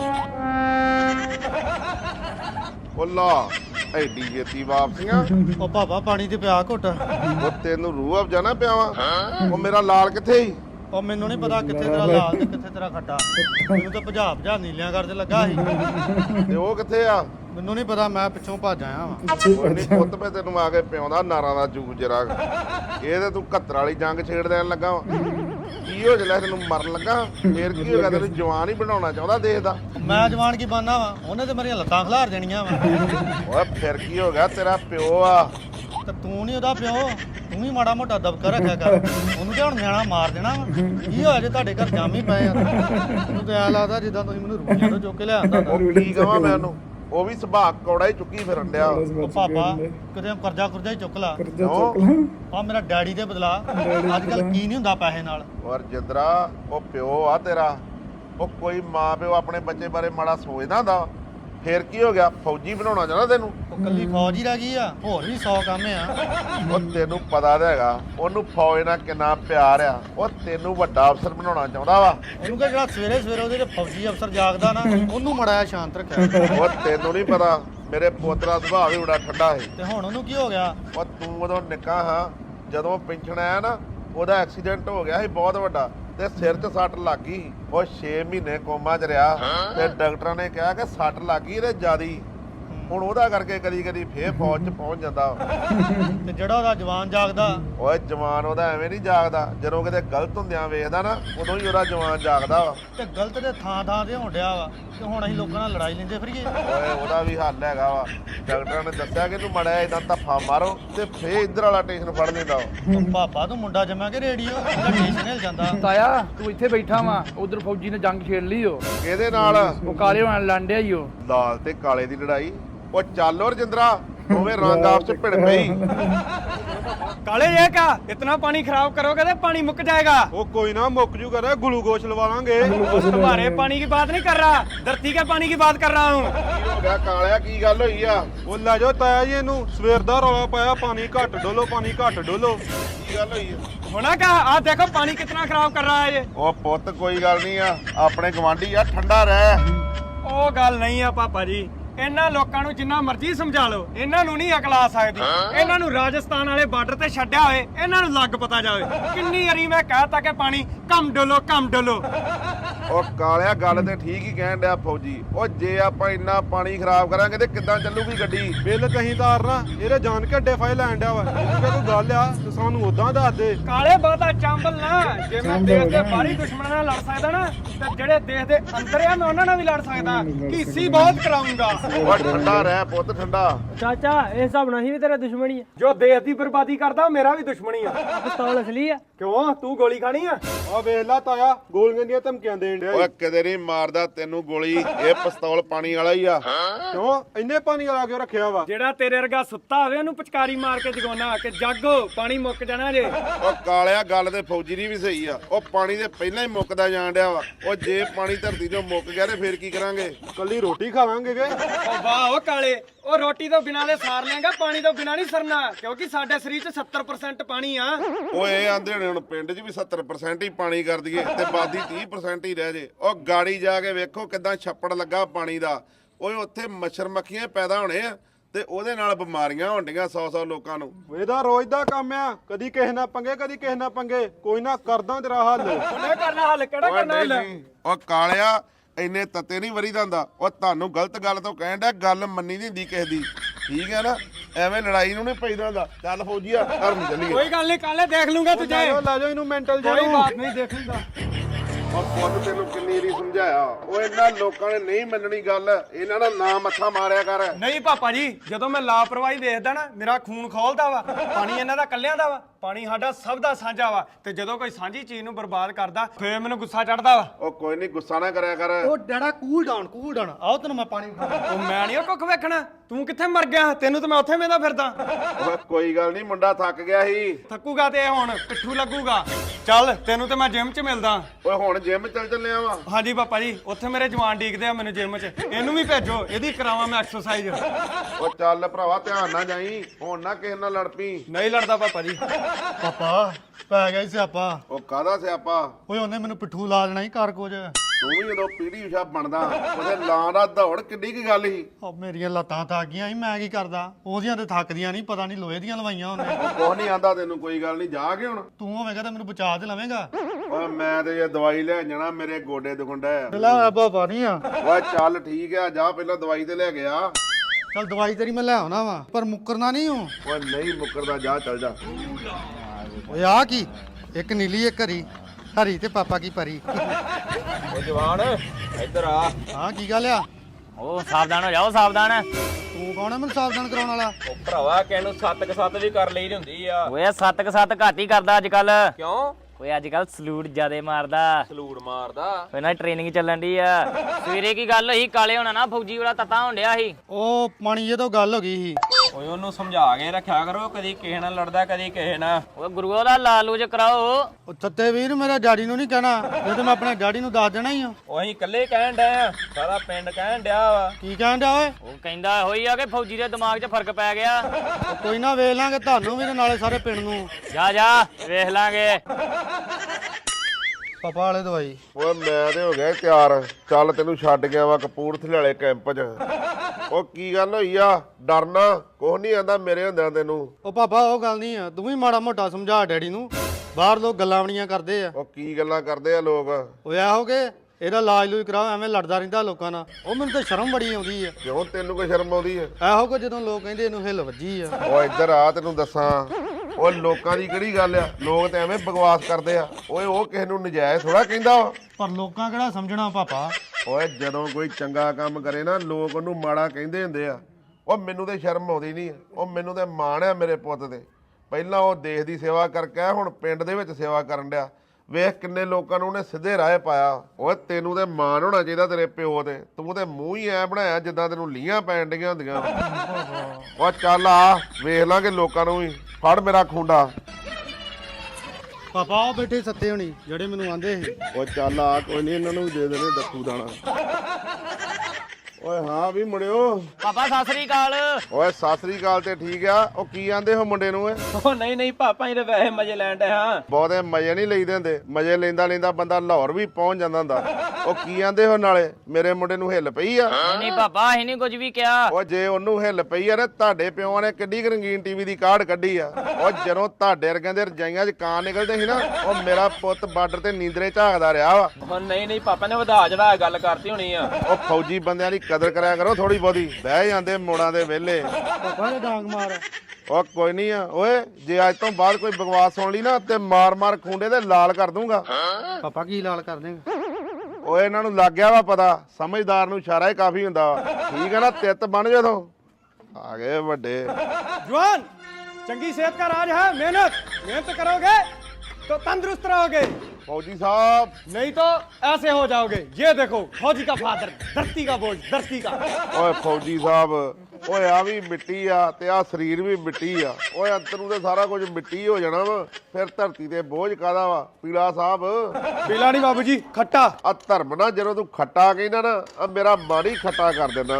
S2: ਉੱਲਾ ਐਡੀ ਜੇਤੀ ਵਾਪਸੀਆਂ
S4: ਉਹ ਪਾਪਾ ਪਾਣੀ ਤੇ ਪਿਆ ਘੁੱਟ
S2: ਉਹ ਤੈਨੂੰ ਰੂਹ ਅਫਜਾ ਨਾ ਪਿਆਵਾ ਉਹ ਮੇਰਾ ਲਾਲ ਕਿੱਥੇ ਸੀ
S4: ਉਹ ਮੈਨੂੰ ਨਹੀਂ ਪਤਾ ਕਿੱਥੇ ਤੇਰਾ ਲਾਲ ਤੇ ਕਿੱਥੇ ਤੇਰਾ ਖੱਟਾ ਮੈਨੂੰ ਤਾਂ ਭਜਾ ਨੀਲਿਆਂ ਕਰਦੇ ਲੱਗਾ ਸੀ
S2: ਤੇ ਉਹ ਕਿੱਥੇ ਆ
S4: ਮੈਨੂੰ ਨਹੀਂ ਪਤਾ ਮੈਂ ਪਿੱਛੋਂ ਭੱਜ ਆਇਆ ਵਾਂ
S2: ਕੋਈ ਨਹੀਂ ਪੁੱਤ ਮੈਂ ਤੈਨੂੰ ਆ ਕੇ ਪਿਆਉਂਦਾ ਨਾਰਾਂ ਦਾ ਜੂਗ ਜਰਾ ਇਹ ਤੇ ਤੂੰ 71 ਵਾਲੀ ਜੰਗ ਛੇੜ ਦੇਣ ਲੱਗਾ ਵਾ ਕੀ ਹੋ ਜਲੇ ਤੈਨੂੰ ਮਰਨ ਲੱਗਾ ਫੇਰ ਕੀ ਹੋ ਗਿਆ ਤੈਨੂੰ ਜਵਾਨ ਹੀ ਬਣਾਉਣਾ ਚਾਹੁੰਦਾ ਦੇਸ਼ ਦਾ
S4: ਮੈਂ ਜਵਾਨ ਕੀ ਬਾਨਾ ਵਾਂ ਉਹਨੇ ਤੇ ਮੇਰੀਆਂ ਲੱਤਾਂ ਖਿਲਾਰ ਦੇਣੀਆਂ ਵਾਂ
S2: ਓਏ ਫਿਰ ਕੀ ਹੋ ਗਿਆ ਤੇਰਾ ਪਿਓ ਆ
S4: ਤੇ ਤੂੰ ਨਹੀਂ ਉਹਦਾ ਪਿਓ ਤੂੰ ਵੀ ਮਾੜਾ ਮੋਟਾ ਦਬਕਾ ਰੱਖਿਆ ਕਰ ਉਹਨੂੰ ਤੇ ਹੁਣ ਨਿਆਣਾ ਮਾਰ ਦੇਣਾ ਵਾ ਕੀ ਹੋਇਆ ਜੇ ਤੁਹਾਡੇ ਘਰ ਜਾਮੀ ਪਏ ਆ ਮੈਨੂੰ ਤਾਂ ਐ ਲੱਗਦਾ ਜਿੱਦਾਂ ਤੁਸੀਂ ਮੈਨੂੰ ਰੂਹਾਂ ਤੋਂ ਚੁੱਕ ਕੇ ਲਿਆਂਦਾ
S2: ਉਹ ਕੀ ਕਹਾਂ ਮੈਂ ਉਹਨੂੰ ਉਹ ਵੀ ਸੁਭਾਅ ਕੌੜਾ ਹੀ ਚੁੱਕੀ ਫਿਰਨ ਡਿਆ
S4: ਉਹ ਪਾਪਾ ਕਿਤੇ ਕਰਜ਼ਾ ਹੀ ਚੁੱਕ ਲਾ
S1: कर्जा चुक ला।
S4: ਆ ਮੇਰਾ ਡੈਡੀ ਦੇ ਬਦਲਾ ਅੱਜ ਕੱਲ ਕੀ ਨਹੀਂ ਹੁੰਦਾ ਪੈਸੇ ਨਾਲ
S2: ਔਰ ਜਿੱਦਰਾ ਉਹ ਪਿਓ ਆ ਤੇਰਾ ਉਹ ਕੋਈ ਮਾਂ ਪਿਓ ਆਪਣੇ ਬੱਚੇ ਬਾਰੇ ਮਾੜਾ ਸੋਚਦਾ ਹੁੰਦਾ ਫੇਰ ਕੀ ਹੋ ਗਿਆ? ਫੌਜੀ ਬਣਾਉਣਾ ਚਾਹੁੰਦਾ ਤੈਨੂੰ?
S4: ਉਹ ਕੱਲੀ ਫੌਜ ਹੀ ਰਹਿ ਗਈ ਆ, ਹੋਰ ਵੀ 100 ਕੰਮ ਆ।
S2: ਉਹ ਤੈਨੂੰ ਪਤਾ ਤਾਂ ਹੈਗਾ ਉਹਨੂੰ ਫੌਜ ਨਾਲ ਕਿੰਨਾ ਪਿਆਰ ਆ। ਉਹ ਤੈਨੂੰ ਵੱਡਾ ਅਫਸਰ ਬਣਾਉਣਾ ਚਾਹੁੰਦਾ ਵਾ।
S4: ਉਹਨੂੰ ਕਹ ਜਿਹੜਾ ਸਵੇਰੇ ਸਵੇਰੇ ਉਹਦੇ ਤੇ ਫੌਜੀ ਅਫਸਰ ਜਾਗਦਾ ਨਾ, ਉਹਨੂੰ ਮੜਾਇਆ ਸ਼ਾਂਤ ਰੱਖਿਆ।
S2: ਉਹ ਤੈਨੂੰ ਨਹੀਂ ਪਤਾ ਮੇਰੇ ਪੁੱਤ ਦਾ ਸੁਭਾਅ ਵੀ ਬੜਾ ਠੰਡਾ ਹੈ।
S4: ਤੇ ਹੁਣ ਉਹਨੂੰ ਕੀ ਹੋ ਗਿਆ?
S2: ਉਹ ਤੂੰ ਉਦੋਂ ਨਿੱਕਾ ਹਾਂ, ਜਦੋਂ ਪੈਨਸ਼ਨ ਆਇਆ ਨਾ, ਉਹਦਾ ਐਕਸੀਡੈਂਟ ਹੋ ਗਿਆ ਸੀ ਬਹੁਤ ਵੱਡਾ ਤੇ ਸਿਰ 'ਚ ਸੱਟ ਲੱਗ ਗਈ। ਉਹ 6 ਮਹੀਨੇ ਕੋਮਾ 'ਚ ਰਿਹਾ ਤੇ ਡਾਕਟਰਾਂ ਨੇ ਕਿਹਾ ਕਿ ਸੱਟ ਲੱਗ ਗਈ ਇਹਦੇ ਜ਼ਿਆਦੀ। ਹੁਣ ਉਹਦਾ ਕਰਕੇ ਕਦੀ ਕਦੀ ਫੇਰ ਫੌਜ 'ਚ ਪਹੁੰਚ ਜਾਂਦਾ।
S4: ਤੇ ਜਿਹੜਾ ਉਹਦਾ ਜਵਾਨ ਜਾਗਦਾ,
S2: ਓਏ ਜਵਾਨ ਉਹਦਾ ਐਵੇਂ ਨਹੀਂ ਜਾਗਦਾ, ਜਦੋਂ ਕਿਤੇ ਗਲਤ ਹੁੰਦਿਆਂ ਵੇਖਦਾ ਨਾ ਉਦੋਂ ਹੀ ਉਹਦਾ ਜਵਾਨ ਜਾਗਦਾ ਵਾ।
S4: ਤੇ ਗਲਤ ਦੇ ਥਾਂ ਤੇ ਹੋਣ ਡਿਆ ਵਾ ਤੇ ਹੁਣ ਅਸੀਂ ਲੋਕਾਂ ਨਾਲ ਲੜਾਈ ਲੈਂਦੇ ਫਿਰੀਏ।
S2: ਓਏ ਉਹਦਾ ਵੀ ਹੱਲ ਹੈਗਾ ਵਾ। ਡਾਕਟਰਾਂ ਨੇ ਦੱਸਿਆ ਕਿ ਤੂੰ ਮੜਿਆ ਇਦਾਂ ਧੱਫਾ ਮਾਰੋ ਤੇ ਫੇਰ ਇੱਧਰ ਵਾਲਾ ਟੇਸ਼ਨ ਫੜ ਲੈਂਦਾ ਵਾ।
S4: ਉਹ ਪਾਪਾ ਤੂੰ ਮੁੰਡਾ ਜਮਾ ਕੇ ਰੇਡੀਓ, ਉਹਦਾ ਟੇਸ਼ਨ ਹਿਲ ਜਾਂਦਾ।
S5: ਤਾਇਆ ਤੂੰ ਇੱਥੇ ਬੈਠਾ ਵਾ, ਉਧਰ ਫੌਜੀ ਨੇ ਜੰਗ ਛੇੜ ਲਈ ਓ।
S2: ਇਹਦੇ ਨਾਲ
S5: ਉਹ ਕਾਲੇ ਹੋਣ ਲੰਡਿਆ ਹੀ ਓ।
S2: ਲਾਲ ਤੇ ਕਾਲੇ ਦੀ ਲੜਾਈ। ਉਹ ਚੱਲ ਓ ਰਜਿੰਦਰਾ, ਦੋਵੇਂ ਰੰਗ ਆਪਸ ਚ ਭਿੜ ਪਈ।
S3: काले ये क्या इतना पानी खराब करोगे तो पानी मुक जाएगा।
S6: ਉਹ ਕੋਈ ਨਾ ਮੁੱਕ ਜੂ ਕਰ ਗਲੂਕੋਸ਼ ਲਵਾ ਲਾਂਗੇ।
S3: तुम्हारे पानी की बात नहीं कर रहा, धरती के पानी की बात कर रहा हूँ।
S2: ਕੀ ਹੋ ਗਿਆ ਕਾਲਿਆ, ਕੀ ਗੱਲ ਹੋਈ ਆ?
S6: ਉਹ ਲੈ ਜਾਓ ਤਾਇਆ ਜੀ ਇਹਨੂੰ, ਸਵੇਰ ਦਾ ਰੌਲਾ ਪਾਇਆ ਪਾਣੀ ਘੱਟ ਡੋਲੋ ਪਾਣੀ ਘੱਟ ਡੋਲੋ।
S2: ਕੀ ਗੱਲ ਹੋਈ ਆ?
S3: होना क्या, आप देखो पानी कितना खराब कर रहा है ये।
S2: ਉਹ ਪੁੱਤ ਕੋਈ ਗੱਲ ਨਹੀਂ ਆ, ਆਪਣੇ ਗਵਾਂਢੀ ਆ, ਠੰਡਾ ਰਹਿ।
S3: ਉਹ ਗੱਲ ਨਹੀਂ ਆ ਪਾਪਾ ਜੀ, ਇਹਨਾਂ ਲੋਕਾਂ ਨੂੰ ਜਿੰਨਾ ਮਰਜ਼ੀ ਸਮਝਾ ਲਓ, ਇਹਨਾਂ ਨੂੰ ਨਹੀਂ ਅਕਲ ਆ ਸਕਦੀ। ਇਹਨਾਂ ਨੂੰ ਰਾਜਸਥਾਨ ਵਾਲੇ ਬਾਰਡਰ ਤੇ ਛੱਡਿਆ ਹੋਏ, ਇਹਨਾਂ ਨੂੰ ਲੱਗ ਪਤਾ ਜਾਵੇ। ਕਿੰਨੀ ਵਾਰੀ ਮੈਂ ਕਹਿਤਾ ਕਿ ਪਾਣੀ ਕਮ ਡੋਲੋ ਕਮ ਡੋਲੋ।
S2: ਉਹ ਕਾਲਿਆ ਗੱਲ ਤੇ ਠੀਕ ਹੀ ਕਹਿਣ ਡਿਆ ਫੌਜੀ। ਉਹ ਜੇ ਆਪਾਂ ਇੰਨਾ ਪਾਣੀ ਖਰਾਬ ਕਰਾਂਗੇ ਤੇ ਕਿੱਦਾਂ ਚੱਲੂਗੀ ਗੱਡੀ?
S6: ਬਿੱਲ ਕਹੀਂ ਤਾਰਨਾ, ਇਹਦੇ ਜਾਣ ਕੇ ਅੱਡੇ ਫਾਇਲ ਲੈਣ ਡਿਆ ਵਾ। ਜੇ ਕੋਈ ਗੱਲ ਆ ਤੇ ਸਾਨੂੰ ਉਦਾਂ ਦੱਸ ਦੇ।
S3: ਕਾਲੇ ਬਹੁਤਾ ਚਾਂਬਲ ਨਾ, ਜੇ ਮੈਂ ਦੇਸ਼ ਦੇ ਬਾਹਰੀ ਦੁਸ਼ਮਣਾਂ ਨਾਲ ਲੜ ਸਕਦਾ ਨਾ, ਤੇ ਜਿਹੜੇ ਦੇਸ਼ ਦੇ ਅੰਦਰ ਆ ਮੈਂ ਉਹਨਾਂ ਨਾਲ ਵੀ ਲੜ ਸਕਦਾ। ਕੀਸੀ ਬਹੁਤ ਕਰਾਉਂਗਾ।
S2: ਉਹ ਠੰਡਾ ਰਹਿ ਪੁੱਤ, ਠੰਡਾ।
S7: ਚਾਚਾ ਇਹ ਹਿਸਾਬ ਨਾਲ ਹੀ ਵੀ ਤੇਰਾ ਦੁਸ਼ਮਣੀ ਆ।
S3: ਜੋ ਦੇਸ਼ ਦੀ ਬਰਬਾਦੀ ਕਰਦਾ ਮੇਰਾ ਵੀ ਦੁਸ਼ਮਣੀ ਆ।
S7: ਪਿਸਤੌਲ ਅਸਲੀ ਆ।
S3: ਕਿਉਂ ਤੂੰ ਗੋਲੀ ਖਾਣੀ ਆ?
S6: ਆ ਵੇਖ ਲਾ ਤਾਇਆ, ਗੋਲੀਆਂ ਦੀਆਂ ਧਮਕੀਆਂ ਦੇਣ ਡਿਆ।
S2: ਓਏ ਕਿਤੇ ਨਹੀਂ ਮਾਰਦਾ ਤੈਨੂੰ ਗੋਲੀ, ਇਹ ਪਿਸਤੌਲ ਪਾਣੀ ਵਾਲਾ ਹੀ ਆ।
S6: ਕਿਉਂ ਇੰਨੇ ਪਾਣੀ ਵਾਲਾ ਕਿਉਂ ਰੱਖਿਆ ਵਾ?
S3: ਜਿਹੜਾ ਤੇਰੇ ਵਰਗਾ ਸੁੱਤਾ ਹੋਵੇ ਉਹਨੂੰ ਪਚਕਾਰੀ ਮਾਰ ਕੇ ਜਗਾਉਣਾ ਕਿ ਜਾਗੋ ਪਾਣੀ ਮੁੱਕ ਜਾਣਾ ਜੇ।
S2: ਉਹ ਕਾਲਿਆ ਗੱਲ ਤੇ ਫੌਜੀ ਦੀ ਵੀ ਸਹੀ ਆ। ਉਹ ਪਾਣੀ ਦੇ ਪਹਿਲਾਂ ਹੀ ਮੁੱਕਦਾ ਜਾਣ ਡਿਆ ਵਾ। ਉਹ ਜੇ ਪਾਣੀ ਧਰਤੀ ਤੋਂ ਮੁੱਕ ਗਿਆ ਤੇ ਫੇਰ ਕੀ ਕਰਾਂਗੇ?
S6: ਕੱਲੀ ਰੋਟੀ ਖਾਵਾਂਗੇ ਕਿ?
S3: ਉਹ ਵਾਹ ਉਹ ਕਾਲੇ, ਉਹ ਰੋਟੀ ਤੋਂ ਬਿਨਾਂ ਲੈ ਸਾਰ ਲੇਗਾ, ਪਾਣੀ ਤੋਂ ਬਿਨਾਂ ਨਹੀਂ ਸਰਨਾ, ਕਿਉਂਕਿ ਸਾਡੇ ਸਰੀਰ 'ਚ 70% ਪਾਣੀ ਆ।
S2: ਓਏ ਇਹ ਆਂਦੇ ਨੇ ਹੁਣ ਪਿੰਡ 'ਚ ਵੀ 70% ਹੀ ਪਾਣੀ ਕਰ ਦਈਏ ਤੇ ਬਾਦੀ 30% ਹੀ ਰਹਿ ਜੇ। ਉਹ ਗਾੜੀ ਜਾ ਕੇ ਵੇਖੋ ਕਿਦਾਂ ਛੱਪੜ ਲੱਗਾ ਪਾਣੀ ਦਾ। ਓਏ ਉੱਥੇ ਮੱਛਰ ਮੱਖੀਆਂ ਪੈਦਾ ਹੋਣੇ ਆ ਤੇ ਉਹਦੇ ਨਾਲ ਬਿਮਾਰੀਆਂ ਹੋਣਡੀਆਂ 100 ਲੋਕਾਂ ਨੂੰ।
S6: ਇਹਦਾ ਰੋਜ਼ ਦਾ ਕੰਮ ਆ, ਕਦੀ ਕਿਸੇ ਨਾਲ ਪੰਗੇ ਕਦੀ ਕਿਸੇ ਨਾਲ ਪੰਗੇ। ਕੋਈ ਨਾ ਕਰਦਾ ਤੇਰਾ ਹੱਲ।
S3: ਉਹਨੇ ਕਰਨਾ ਹੱਲ, ਕਿਹੜਾ
S2: ਓਏ
S3: ਕਰਨਾ ਹੱਲ?
S2: ਨਹੀਂ, ਉਹ ਕਾਲਿਆ ਇੰਨੇ ਤੱਤੇ ਨਹੀਂ ਵਰੀਦਾ ਹੁੰਦਾ। ਉਹ ਤੁਹਾਨੂੰ ਗਲਤ ਗੱਲ ਤੋਂ ਕਹਿਣ ਡਿਆ, ਗੱਲ ਮੰਨੀ ਨਹੀਂ ਹੁੰਦੀ ਕਿਸੇ ਦੀ, ਠੀਕ ਹੈ ਨਾ? ਐਵੇਂ ਲੜਾਈ ਨੂੰ ਨਹੀਂ ਪੈਦਾ ਹੁੰਦਾ। ਚੱਲ ਫੌਜੀਆ ਘਰ ਨੂੰ ਚੱਲੀਏ।
S3: ਕੋਈ ਗੱਲ ਨਹੀਂ ਕਾਲੇ, ਦੇਖ ਲੂੰਗਾ ਤੁਝੇ।
S6: ਲੈ ਜਾਓ ਇਹਨੂੰ ਮੈਂਟਲ
S3: ਕੋਈ
S6: ਜਿਹਨੂੰ।
S3: ਬਾਤ ਨਹੀਂ, ਦੇਖ ਲੂੰਗਾ।
S2: ਔਰ ਪੁੱਤ ਤੈਨੂੰ ਕਿੰਨੀ ਵਾਰੀ ਸਮਝਾਇਆ, ਉਹ ਇਹਨਾਂ ਲੋਕਾਂ ਨੇ ਨਹੀਂ ਮੰਨਣੀ ਗੱਲ। ਇਹਨਾਂ ਦਾ ਨਾਂ ਮੱਥਾ ਮਾਰਿਆ ਕਰ।
S3: ਨਹੀਂ ਪਾਪਾ ਜੀ, ਜਦੋਂ ਮੈਂ ਲਾਪਰਵਾਹੀ ਵੇਖਦਾ ਨਾ ਮੇਰਾ ਖੂਨ ਖੋਲਦਾ ਵਾ। ਪਾਣੀ ਇਹਨਾਂ ਦਾ ਕੱਲਿਆਂ ਦਾ ਵਾ, ਪਾਣੀ ਸਾਡਾ ਸਭ ਦਾ ਸਾਂਝਾ ਵਾ। ਤੇ ਜਦੋਂ ਕੋਈ ਸਾਂਝੀ ਚੀਜ਼ ਨੂੰ ਬਰਬਾਦ ਕਰਦਾ ਫੇਰ ਮੈਨੂੰ ਗੁੱਸਾ ਚੜਦਾ ਵਾ।
S2: ਉਹ ਕੋਈ ਨਹੀਂ, ਗੁੱਸਾ ਨਾ ਕਰਿਆ ਕਰ।
S4: ਉਹ ਡੈਡਾ ਕੂਲ ਡਾਊਨ ਆਓ ਤੈਨੂੰ ਮੈਂ ਪਾਣੀ ਵਿਖਾਵਾਂ।
S3: ਉਹ ਮੈਂ ਨਹੀਂ ਉਹ ਕੁੱਖ ਵੇਖਣਾ, ਤੂੰ ਕਿੱਥੇ ਮਰ ਗਿਆ? ਤੈਨੂੰ ਤਾਂ ਮੈਂ ਉੱਥੇ ਵੇਂਦਾ ਫਿਰਦਾ।
S2: ਓਏ ਕੋਈ ਗੱਲ ਨਹੀਂ, ਮੁੰਡਾ ਥੱਕ ਗਿਆ ਸੀ।
S3: ਥੱਕੂਗਾ ਤੇ ਹੁਣ ਪਿੱਠੂ ਲੱਗੂਗਾ। ਚੱਲ ਤੈਨੂੰ ਤੇ ਮੈਂ ਜਿਮ 'ਚ ਮਿਲਦਾ।
S2: ਓਏ ਹੁਣ ਜਿਮ ਚੱਲ ਚੱਲਿਆ ਵਾ।
S3: ਹਾਂਜੀ ਪਾਪਾ ਜੀ, ਉੱਥੇ ਮੇਰੇ ਜਵਾਨ ਡੀਕਦੇ ਆ ਮੈਨੂੰ ਜਿਮ 'ਚ। ਇਹਨੂੰ ਵੀ ਭੇਜੋ, ਇਹਦੀ ਕਰਾਵਾਂ ਮੈਂ ਐਕਸਰਸਾਈਜ਼।
S2: ਉਹ ਚੱਲ ਭਰਾਵਾ, ਧਿਆਨ ਨਾਲ ਜਾਈ, ਹੁਣ ਨਾ ਕਿਸੇ ਨਾਲ ਲੜ ਪਈ।
S3: ਨਹੀਂ ਲੜਦਾ ਪਾਪਾ ਜੀ।
S4: ਪਾਪਾ ਪੈ ਗਿਆ ਸੀ ਸਿਆਪਾ।
S2: ਉਹ ਕਾਹਦਾ ਸਿਆਪਾ?
S4: ਓਏ ਉਹਨੇ ਮੈਨੂੰ ਪਿੱਠੂ ਲਾ ਦੇਣਾ ਹੀ ਘਰ ਕੁਝ।
S2: ਤੂੰ ਵੀ ਜਦੋਂ ਪੀੜੀ ਉਸ਼ਾ ਬਣਦਾ ਉਹਦੇ ਲਾਂ ਦਾ ਦੌੜ ਕਿੱਡੀ ਕੀ ਗੱਲ ਸੀ।
S4: ਉਹ ਮੇਰੀਆਂ ਲੱਤਾਂ ਥੱਕ ਗਈਆਂ ਸੀ, ਮੈਂ ਕੀ ਕਰਦਾ? ਉਹਦੀਆਂ ਤੇ ਥੱਕਦੀਆਂ ਨਹੀਂ, ਪਤਾ ਨਹੀਂ ਲੋਹੇ ਦੀਆਂ ਲਵਾਈਆਂ ਉਹਨੇ।
S2: ਕੁਛ ਨਹੀਂ ਆਂਦਾ ਤੈਨੂੰ, ਕੋਈ ਗੱਲ ਨਹੀਂ, ਜਾ ਕੇ ਹੁਣ।
S4: ਤੂੰ ਹੋਵੇਂਗਾ ਤਾਂ ਮੈਨੂੰ ਬਚਾ ਤੇ ਲਵੇਂਗਾ।
S2: ਓਏ ਮੈਂ ਤੇ ਇਹ ਦਵਾਈ ਲੈ ਜਾਣਾ, ਮੇਰੇ ਗੋਡੇ ਦੁਖੰਡਾ ਆ।
S4: ਲੈ ਬਾਬਾ ਨਹੀਂ ਆ।
S2: ਓਏ ਚੱਲ ਠੀਕ ਆ, ਜਾ ਪਹਿਲਾਂ ਦਵਾਈ ਤੇ ਲੈ ਗਿਆ।
S4: ਚੱਲ ਦਵਾਈ ਤੇਰੀ ਮੈਂ ਲੈ ਆਉਣਾ ਵਾ, ਪਰ ਮੁੱਕਰਨਾ ਨਹੀਂ ਹੂੰ।
S2: ਓਏ ਨਹੀਂ ਮੁੱਕਰਦਾ, ਜਾ ਚੱਲ ਜਾ।
S4: ਓਏ ਆ ਕੀ, ਇੱਕ ਨੀਲੀ ਇੱਕ ਹਰੀ ਤੇ ਪਾਪਾ ਕੀ ਪਰੀ।
S8: ਉਹ ਜਵਾਨ ਇੱਧਰ ਆ।
S4: ਹਾਂ ਕੀ ਗੱਲ ਆ?
S8: ਉਹ ਸਾਵਧਾਨ ਹੋ ਜਾਓ, ਸਾਵਧਾਨ।
S4: ਤੂੰ ਕੌਣ ਹੈ ਮੈਨੂੰ ਸਾਵਧਾਨ ਕਰਾਉਣ ਵਾਲਾ?
S8: ਉਹ ਭਰਾਵਾ ਕਿਹਨੂੰ 7 ਵੀ ਕਰ ਲਈ ਹੁੰਦੀ ਆ। ਓਏ 7 ਘੱਟ ਹੀ ਕਰਦਾ ਅੱਜ ਕੱਲ। ਕਿਉਂ? ਓਏ ਅੱਜ ਕੱਲ ਸਲੂਟ ਜਿਆਦੇ ਮਾਰਦਾ। ਸਲੂਟ ਮਾਰਦਾ? ਓਏ ਨਾ ਟ੍ਰੇਨਿੰਗ ਚੱਲਣ ਦੀ ਆ। ਸਵੇਰੇ ਕੀ ਗੱਲ ਹੋਈ, ਕਾਲੇ ਹੋਣਾ ਨਾ ਫੌਜੀ ਵਾਲਾ ਤਤਾ ਹੋਣ ਡਿਆ ਸੀ।
S4: ਉਹ ਪਾਣੀ ਇਹ ਤੋਂ ਗੱਲ ਹੋ ਗਈ ਸੀ।
S8: ਓਏ ਉਹਨੂੰ ਸਮਝਾ ਕੇ ਰੱਖਿਆ ਕਰੋ, ਕਦੀ ਕਿਸੇ ਨਾਲ ਲੜਦਾ ਕਦੀ ਕਿਸੇ ਨਾਲ। ਓਏ ਗੁਰੂਆ ਦਾ ਲਾਲੂਜ ਕਰਾਓ।
S4: ਉਹ ਸੱਤੇ ਵੀਰ ਮੇਰੇ ਡੈਡੀ ਨੂੰ ਨਹੀਂ ਕਹਿਣਾ, ਇਹ ਤਾਂ ਮੈਂ ਆਪਣੇ ਡੈਡੀ ਨੂੰ ਦੱਸ ਦੇਣਾ ਹੀ ਆ।
S8: ਉਹ ਅਸੀਂ ਇਕੱਲੇ ਕਹਿਣ ਡਏ ਆ, ਸਾਰਾ ਪਿੰਡ ਕਹਿਣ ਡਿਆ ਵਾ।
S4: ਕੀ ਕਹਿਣ ਡਿਆ ਓਏ?
S8: ਉਹ ਕਹਿੰਦਾ ਇਹੋ ਹੀ ਆ ਕਿ ਫੌਜੀ ਦੇ ਦਿਮਾਗ 'ਚ ਫਰਕ ਪੈ ਗਿਆ।
S4: ਉਹ ਕੋਈ ਨਾ ਵੇਖ ਲਾਂਗੇ ਤੁਹਾਨੂੰ ਵੀ ਤੇ ਨਾਲੇ ਸਾਰੇ ਪਿੰਡ ਨੂੰ।
S8: ਜਾ ਜਾ ਵੇਖ ਲਾਂਗੇ।
S4: ਪਾਪਾ ਵਾਲੇ ਦਵਾਈ।
S2: ਓਏ ਮੈਂ ਤੇ ਹੋ ਗਿਆ ਤਿਆਰ, ਚੱਲ ਤੈਨੂੰ ਛੱਡ ਗਿਆ ਵਾ ਕਪੂਰਥਲੇ ਵਾਲੇ ਕੈਂਪ 'ਚ। ਉਹ ਕੀ ਗੱਲ ਹੋਈ ਆ? ਡਰਨਾ ਕੁਛ ਨਹੀਂ ਆਂਦਾ ਮੇਰੇ ਹੁੰਦਿਆਂ ਤੈਨੂੰ।
S4: ਉਹ ਪਾਪਾ ਉਹ ਗੱਲ ਨਹੀਂ ਆ, ਤੂੰ ਵੀ ਮਾੜਾ ਮੋਟਾ ਸਮਝਾ ਡੈਡੀ ਨੂੰ, ਬਾਹਰ ਲੋਕ ਗੱਲਾਂ ਬਣੀਆਂ ਕਰਦੇ ਆ।
S2: ਉਹ ਕੀ ਗੱਲਾਂ ਕਰਦੇ ਆ ਲੋਕ?
S4: ਉਹ ਇਹੋ ਕਿ ਇਹਦਾ ਇਲਾਜ ਲੂਜ ਕਰਾਓ, ਐਵੇਂ ਲੜਦਾ ਰਹਿੰਦਾ ਲੋਕਾਂ ਨਾਲ। ਉਹ ਮੈਨੂੰ ਤਾਂ ਸ਼ਰਮ ਬੜੀ ਆਉਂਦੀ ਆ।
S2: ਕਿਉਂ ਤੈਨੂੰ ਕੋਈ ਸ਼ਰਮ ਆਉਂਦੀ ਹੈ?
S4: ਇਹੋ ਕਿ ਜਦੋਂ ਲੋਕ ਕਹਿੰਦੇ ਇਹਨੂੰ ਹਿੱਲ ਵੱਜੀ ਆ।
S2: ਉਹ ਇੱਧਰ ਆ ਤੈਨੂੰ ਦੱਸਾਂ, ਉਹ ਲੋਕਾਂ ਦੀ ਕਿਹੜੀ ਗੱਲ ਆ? ਲੋਕ ਤੇ ਐਵੇਂ ਬਕਵਾਸ ਕਰਦੇ ਆ। ਓਏ ਉਹ ਕਿਸੇ ਨੂੰ ਨਜਾਇਜ਼ ਥੋੜਾ ਕਹਿੰਦਾ ਵਾ।
S4: ਪਰ ਲੋਕਾਂ ਕਿਹੜਾ ਸਮਝਣਾ ਪਾਪਾ।
S2: ਓਏ ਜਦੋਂ ਕੋਈ ਚੰਗਾ ਕੰਮ ਕਰੇ ਨਾ ਲੋਕ ਉਹਨੂੰ ਮਾੜਾ ਕਹਿੰਦੇ ਹੁੰਦੇ ਆ। ਉਹ ਮੈਨੂੰ ਤੇ ਸ਼ਰਮ ਆਉਂਦੀ ਨਹੀਂ। ਉਹ ਮੈਨੂੰ ਤੇ ਮਾਣ ਆ ਮੇਰੇ ਪੁੱਤ ਤੇ। ਪਹਿਲਾਂ ਉਹ ਦੇਸ਼ ਦੀ ਸੇਵਾ ਕਰਕੇ ਆਇਆ, ਹੁਣ ਪਿੰਡ ਦੇ ਵਿੱਚ ਸੇਵਾ ਕਰਨ ਡਿਆ। ਵੇਖ ਕਿੰਨੇ ਲੋਕਾਂ ਨੂੰ ਉਹਨੇ ਸਿੱਧੇ ਰਾਹ ਪਾਇਆ। ਓਏ ਤੈਨੂੰ ਤੇ ਮਾਣ ਹੋਣਾ ਚਾਹੀਦਾ ਤੇਰੇ ਪਿਓ ਤੇ। ਤੂੰ ਤੇ ਮੂੰਹ ਹੀ ਐ ਬਣਾਇਆ ਜਿੱਦਾਂ ਤੈਨੂੰ ਲੀਆਂ ਪੈਣ ਡੀਆਂ ਹੁੰਦੀਆਂ। ਓ ਚੱਲ ਆ ਵੇਖ ਲਾਂਗੇ ਲੋਕਾਂ ਨੂੰ ਵੀ। ਫੜ ਮੇਰਾ ਖੁੰਡਾ।
S4: ਪਾਪਾ ਉਹ ਬੈਠੇ ਸੱਤੇ ਹੋਣੀ ਜਿਹੜੇ ਮੈਨੂੰ ਆਂਦੇ ਸੀ।
S2: ਓ ਚੱਲ ਆ ਕੋਈ ਨਹੀਂ, ਇਹਨਾਂ ਨੂੰ ਦੇ ਦੇਣੇ ਦੱਸੂ ਦਾਣਾ। ਓਏ ਹਾਂ ਵੀ ਮੁੜਿਓ।
S8: ਪਾਪਾ ਸਤਿ ਸ੍ਰੀ ਅਕਾਲ।
S2: ਓਏ ਸਤਿ ਸ੍ਰੀ ਅਕਾਲ ਤੇ ਠੀਕ ਆ। ਉਹ ਕੀ ਆਂਦੇ ਹੋ ਮੁੰਡੇ ਨੂੰ? ਓਏ
S8: ਉਹ ਨਹੀਂ ਪਾਪਾ ਇਹ ਤਾਂ ਵੈਸੇ ਮਜ਼ੇ ਲੈਣ ਡਏ ਹਾਂ।
S2: ਬਹੁਤੇ ਮਜ਼ੇ ਨਹੀਂ ਲਈਦੇ ਹੁੰਦੇ, ਮਜ਼ੇ ਲੈਂਦਾ ਲੈਂਦਾ ਬੰਦਾ ਲਾਹੌਰ ਵੀ ਪਹੁੰਚ ਜਾਂਦਾ ਹੁੰਦਾ। ਉਹ ਕੀ ਆਂਦੇ ਹੋ ਨਾਲੇ ਮੇਰੇ ਮੁੰਡੇ ਨੂੰ ਹਿੱਲ ਪਈ ਆ?
S8: ਨਹੀਂ ਪਾਪਾ ਅਸੀਂ ਨਹੀਂ ਕੁਝ ਵੀ ਕਿਹਾ।
S2: ਉਹ ਜੇ ਉਹਨੂੰ ਹਿੱਲ ਪਈ ਆ ਨਾ, ਤੁਹਾਡੇ ਪਿਓਾਂ ਨੇ ਕਿੱਡੀ ਰੰਗੀਨ ਟੀਵੀ ਦੀ ਕਾਢ ਕੱਢੀ ਆ। ਉਹ ਜਦੋਂ ਤੁਹਾਡੇ ਵਰਗਿਆਂ ਦੇ ਰਜਾਈਆਂ 'ਚ ਕਾਂ ਨਿਕਲਦੇ ਸੀ ਨਾ, ਉਹ ਮੇਰਾ ਪੁੱਤ ਬਾਰਡਰ ਤੇ ਨੀਂਦਰੇ ਝਾਕਦਾ ਰਿਹਾ ਵਾ।
S8: ਉਹ ਨਹੀਂ ਪਾਪਾ ਨੇ ਵਧਾ ਚੜਾ ਗੱਲ ਕਰਤੀ ਹੋਣੀ ਆ।
S2: ਉਹ ਫੌਜੀ ਬੰਦਿਆਂ ਦੀ ਕਦਰ ਕਰਿਆ ਕਰੋ ਥੋੜੀ ਬਹੁਤੀ। ਬਹਿ ਜਾਂਦੇ ਮੋੜਾਂ ਦੇ ਵਿਹਲੇ।
S4: ਪਾਪਾ ਨੇ ਡਾਂਗ ਮਾਰ।
S2: ਉਹ ਕੋਈ ਨਹੀਂ ਆ ਓਏ, ਜੇ ਅੱਜ ਤੋਂ ਬਾਅਦ ਕੋਈ ਬਕਵਾਸ ਸੁਣ ਲਈ ਨਾ ਤੇ ਮਾਰ ਖੁੰਡੇ ਤੇ ਲਾਲ ਕਰ ਦੂੰਗਾ।
S4: ਪਾਪਾ ਕੀ ਲਾਲ ਕਰ ਦੇਗਾ?
S2: ਓਏ ਇਹਨਾਂ ਨੂੰ ਲੱਗ ਗਿਆ ਵਾ ਪਤਾ, ਸਮਝਦਾਰ ਨੂੰ ਇਸ਼ਾਰਾ ਹੀ ਕਾਫੀ ਹੁੰਦਾ ਵਾ। ਠੀਕ ਆ ਨਾ? ਤਿੱਤ ਬਣ ਜਦੋਂ ਆ ਗਏ ਵੱਡੇ।
S3: जवान चंगी सेहत का राज है। मेहनत करोगे तो तंदुरुस्त रहोगे,
S2: फौजी साहब
S3: नहीं तो ऐसे हो जाओगे। ये देखो फौजी का फादर, धरती का बोझ, धरती का।
S2: ਓਏ ਫੌਜੀ ਸਾਹਿਬ, ਓਏ ਆ ਵੀ ਮਿੱਟੀ ਆ ਤੇ ਆ ਸਰੀਰ ਵੀ ਮਿੱਟੀ ਆ। ਓਏ ਅੰਦਰ ਨੂੰ ਤੇ ਸਾਰਾ ਕੁਝ ਮਿੱਟੀ ਹੋ ਜਾਣਾ ਵਾ, ਫਿਰ ਧਰਤੀ ਤੇ ਬੋਝ ਕਾਦਾ ਵਾ? ਪੀਲਾ ਸਾਹਿਬ
S3: पीला नहीं बाबूजी, खट्टा।
S2: ਆ ਧਰਮ ਨਾ ਜਦੋਂ ਤੂੰ ਖੱਟਾ ਕਹਿੰਦਾ ਨਾ, ਆ ਮੇਰਾ ਮਨ ਹੀ ਖੱਟਾ ਕਰ ਦੇਣਾ।